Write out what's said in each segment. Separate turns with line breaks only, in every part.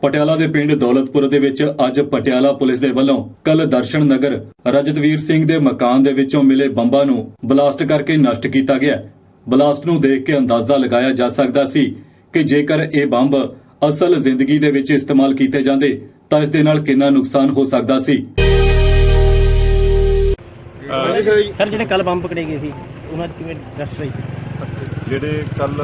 ਪਟਿਆਲਾ ਦੇ ਪਿੰਡ ਦੌਲਤਪੁਰ ਦੇ ਵਿੱਚ ਅੱਜ ਪਟਿਆਲਾ ਪੁਲਿਸ ਦੇ ਵੱਲੋਂ ਕੱਲ ਦਰਸ਼ਨ ਨਗਰ ਰਜਤਵੀਰ ਸਿੰਘ ਦੇ ਮਕਾਨ ਦੇ ਵਿੱਚੋਂ ਮਿਲੇ ਬੰਬਾਂ ਨੂੰ ਬਲਾਸਟ ਕਰਕੇ ਨਸ਼ਟ ਕੀਤਾ ਗਿਆ। ਬਲਾਸਟ ਨੂੰ ਦੇਖ ਕੇ ਅੰਦਾਜ਼ਾ ਲਗਾਇਆ ਜਾ ਸਕਦਾ ਸੀ ਕਿ ਜੇਕਰ ਇਹ ਬੰਬ ਅਸਲ ਜ਼ਿੰਦਗੀ ਦੇ ਵਿੱਚ ਇਸਤੇਮਾਲ ਕੀਤੇ ਜਾਂਦੇ ਤਾਂ ਇਸ ਦੇ ਨਾਲ ਕਿੰਨਾ ਨੁਕਸਾਨ ਹੋ ਸਕਦਾ ਸੀ।
ਸਰ ਜਿਹੜੇ ਕੱਲ ਬੰਬ ਪਕੜੇ ਗਏ ਸੀ ਉਹਨਾਂ ਦੀ ਕਿਵੇਂ ਦੱਸ ਰਹੀ
ਜਿਹੜੇ ਕੱਲ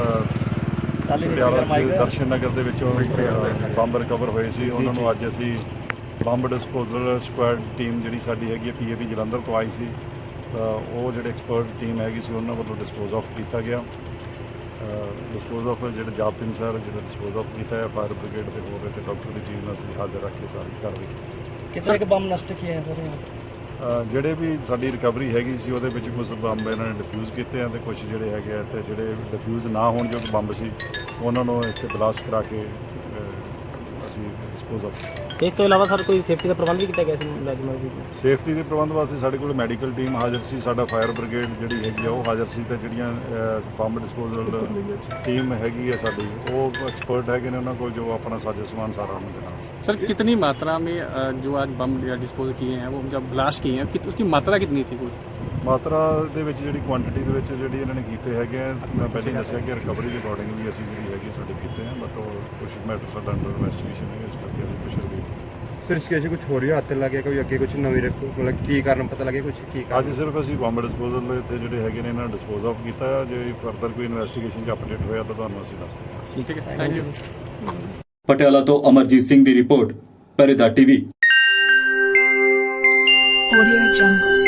ਦਰਸ਼ਨ ਨਗਰ ਦੇ ਵਿੱਚੋਂ ਬੰਬ ਰਿਕਵਰ ਹੋਏ ਸੀ ਉਹਨਾਂ ਨੂੰ ਅੱਜ ਅਸੀਂ ਬੰਬ ਡਿਸਪੋਜ਼ਲ ਸਕੁਐਡ ਟੀਮ ਜਿਹੜੀ ਸਾਡੀ ਹੈਗੀ PAP ਜਲੰਧਰ ਤੋਂ ਆਈ ਸੀ ਉਹ ਜਿਹੜੇ ਐਕਸਪਰਟ ਟੀਮ ਹੈਗੀ ਸੀ ਉਹਨਾਂ ਵੱਲੋਂ ਡਿਸਪੋਜ਼ ਆਫ ਕੀਤਾ ਗਿਆ। ਡਿਸਪੋਜ਼ ਆਫ ਜਿਹੜੇ ਜਾਬਤੇ ਅਨੁਸਾਰ ਜਿਹੜਾ ਡਿਸਪੋਜ਼ ਆਫ ਕੀਤਾ ਹੈ ਫਾਇਰ ਬ੍ਰਿਗੇਡ ਦੇ ਹੋਰ ਤੇ ਡਾਕਟਰ ਦੀ ਟੀਮ ਨਾਲ ਅਸੀਂ ਹਾਜ਼ਰ ਰੱਖ ਕੇ ਸਾਰੀ ਕਾਰਵਾਈ
ਕਿੰਨੇ ਕੁ ਬੰਬ ਨਸ਼ਟ ਕੀਤੇ ਹੈ ਸਰ
ਜਿਹੜੇ ਵੀ ਸਾਡੀ ਰਿਕਵਰੀ ਹੈਗੀ ਸੀ ਉਹਦੇ ਵਿੱਚ ਕੁਝ ਬੰਬ ਇਹਨਾਂ ਨੇ ਡਿਫਿਊਜ਼ ਕੀਤੇ ਆ ਤੇ ਕੁਝ ਜਿਹੜੇ ਹੈਗੇ ਆ ਤੇ ਜਿਹੜੇ ਡਿਫਿਊਜ਼ ਨਾ ਹੋਣ ਜੋ ਬੰਬ ਸੀ ਉਹਨਾਂ ਨੂੰ ਇੱਥੇ ਬਲਾਸਟ ਕਰਾ ਕੇ ਅਸੀਂ ਡਿਸਪੋਜ਼ ਆਫ।
ਇਸ ਤੋਂ ਇਲਾਵਾ ਸਰ ਕੋਈ ਸੇਫਟੀ ਦਾ ਪ੍ਰਬੰਧ ਵੀ ਕੀਤਾ ਗਿਆ ਸੀ ਮੁਲਾਜ਼ਮਾਂ ਦੀ?
ਸੇਫਟੀ ਦੇ ਪ੍ਰਬੰਧ ਵਾਸਤੇ ਸਾਡੇ ਕੋਲ ਮੈਡੀਕਲ ਟੀਮ ਹਾਜ਼ਰ ਸੀ, ਸਾਡਾ ਫਾਇਰ ਬ੍ਰਿਗੇਡ ਜਿਹੜੀ ਹੈਗੀ ਆ ਉਹ ਹਾਜ਼ਰ ਸੀ ਤੇ ਜਿਹੜੀਆਂ ਬੰਬ ਡਿਸਪੋਜ਼ਲ ਟੀਮ ਹੈਗੀ ਆ ਸਾਡੀ ਉਹ ਐਕਸਪਰਟ ਹੈਗੇ ਨੇ ਉਹਨਾਂ ਕੋਲ ਜੋ ਆਪਣਾ ਸਾਜੋ ਸਮਾਨ सारा उन्होंने देना।
सर कितनी मात्रा में जो आज बम डिस्पोज किए हैं वो जब ब्लास्ट किए हैं उसकी मात्रा कितनी थी? कोई
ਮਾਤਰਾ ਦੇ ਵਿੱਚ ਜਿਹੜੀ ਕੁਆਂਟੀਟੀ ਦੇ ਵਿੱਚ ਜਿਹੜੀ ਇਹਨਾਂ ਨੇ ਕੀਤੇ ਹੈਗੇ ਆ ਮੈਂ ਪਹਿਲਾਂ ਦੱਸਿਆ ਕਿ ਰਿਕਵਰੀ ਦੇ ਅਕੋਰਡਿੰਗ ਵੀ ਅਸੀਂ ਜਿਹੜੀ ਹੈਗੀ ਸਾਡੇ ਕੀਤੇ ਆ ਬਟ ਉਹ ਕੁਝ ਮੈਟਰ ਸਾਡਾ ਅੰਡਰ ਇਨਵੈਸਟੀਗੇਸ਼ਨ ਹੈ ਇਸ ਕਰਕੇ ਅਸੀਂ ਕੁਝ ਵੀ
ਫਿਰ ਇਸ ਕੇਸ ਕੁਝ ਹੋਰ ਹੀ ਹੱਥ ਲੱਗੇ ਕੋਈ ਅੱਗੇ ਕੁਝ ਨਵੀਂ ਮਤਲਬ ਕੀ ਕਾਰਨ ਪਤਾ ਲੱਗੇ ਕੁਝ ਕੀ
ਅੱਜ ਸਿਰਫ ਅਸੀਂ ਬੰਬ ਡਿਸਪੋਜ਼ਲ ਦੇ ਇੱਥੇ ਜਿਹੜੇ ਹੈਗੇ ਨੇ ਇਹਨਾਂ ਨੂੰ ਡਿਸਪੋਜ਼ ਆਫ ਕੀਤਾ ਹੈ। ਜੇ ਫਰਦਰ ਕੋਈ ਇਨਵੈਸਟੀਗੇਸ਼ਨ 'ਚ ਅਪਡੇਟ ਹੋਇਆ ਤਾਂ ਤੁਹਾਨੂੰ ਅਸੀਂ ਦੱਸ ਦਿਆਂਗੇ।
ठीक है, थैंक यू।
ਪਟਿਆਲਾ ਤੋਂ ਅਮਰਜੀਤ ਸਿੰਘ ਦੀ report, Pehredar TV।
Audio Jungle।